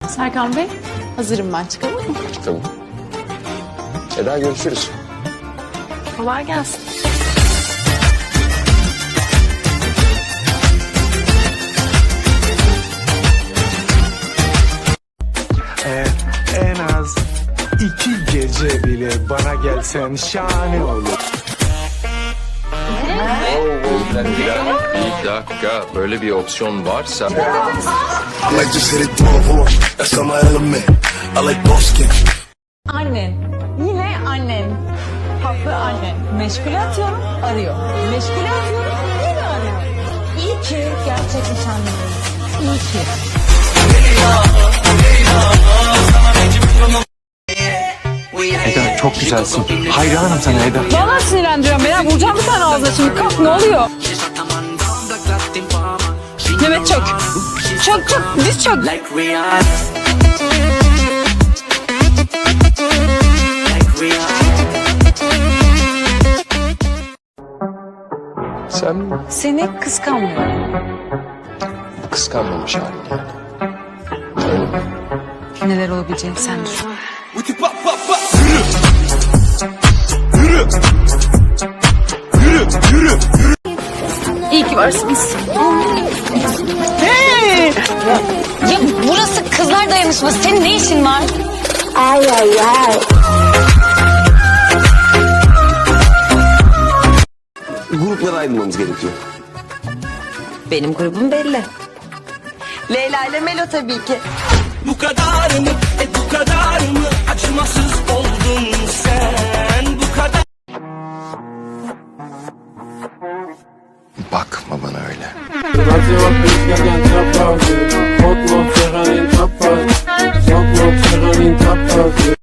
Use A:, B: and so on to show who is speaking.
A: Serkan Bey, hazırım ben. Çıkalım mı?
B: Tamam. Eda görüşürüz.
A: Kolay gelsin.
C: En az 2 gece bile bana gelsen şahane olur.
B: Bir dakika, böyle bir opsiyon varsa...
D: I like just hit it through a horse. That's not my element. I like both skin.
E: Annen. Yine annen. Haklı annen. Meşgule atıyorum, arıyor. Meşgule atıyorum, yine arıyor. İyi ki gerçek nişanlıyız. İyi ki.
C: Eda çok güzelsin. Hayranım sana Eda.
E: Vallahi sinirlendiriyorum beni. Vuracağım bir tane ağzına şimdi. Kalk, ne oluyor? Mehmet çök. Çök çök. Diz çök.
B: Sen
E: Seni kıskanmıyorum.
B: kıskanmamış halin. Öyle mi?
E: Neler olabileceğini sen düşün.
A: İyi ki varsınız.
F: Ya burası kızlar dayanışması. Senin ne işin var?
G: Gruplara ayrılmamız gerekiyor.
E: Benim grubum belli. Leyla ile Melo tabii ki.
H: Bu kadar mı? Bu kadar mı? Acımasız oldun sen. Bu kadar.
B: Bakma bana öyle.